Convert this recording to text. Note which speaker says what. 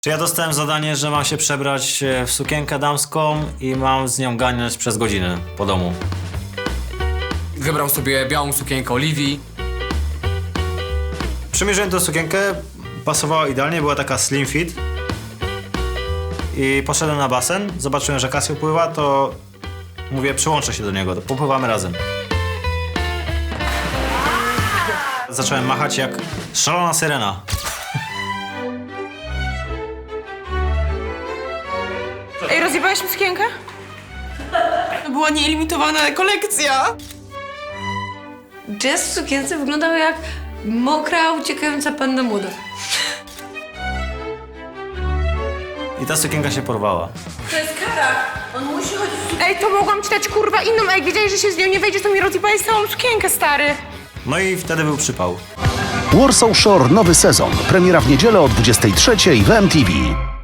Speaker 1: Czy ja dostałem zadanie, że mam się przebrać w sukienkę damską i mam z nią ganiać przez godzinę po domu.
Speaker 2: Wybrał sobie białą sukienkę Oliwii.
Speaker 1: Przymierzyłem tę sukienkę, pasowała idealnie, była taka slim fit. I poszedłem na basen, zobaczyłem, że Casio pływa, to mówię, przyłączę się do niego, to popływamy razem. Zacząłem machać jak szalona syrena.
Speaker 3: Ej, rozjebałeś mi sukienkę? To była nielimitowana kolekcja.
Speaker 4: Jazz w sukience wyglądał jak mokra, uciekająca panna młoda.
Speaker 1: I ta sukienka się porwała.
Speaker 3: To jest kara. On musi chodzić w Ej, to mogłam ci dać kurwa inną, a jak wiedziałeś, że się z nią nie wejdziesz, to mi rozjebałeś całą sukienkę, stary.
Speaker 1: No i wtedy był przypał.
Speaker 5: Warsaw Shore nowy sezon. Premiera w niedzielę o 23:00 w MTV.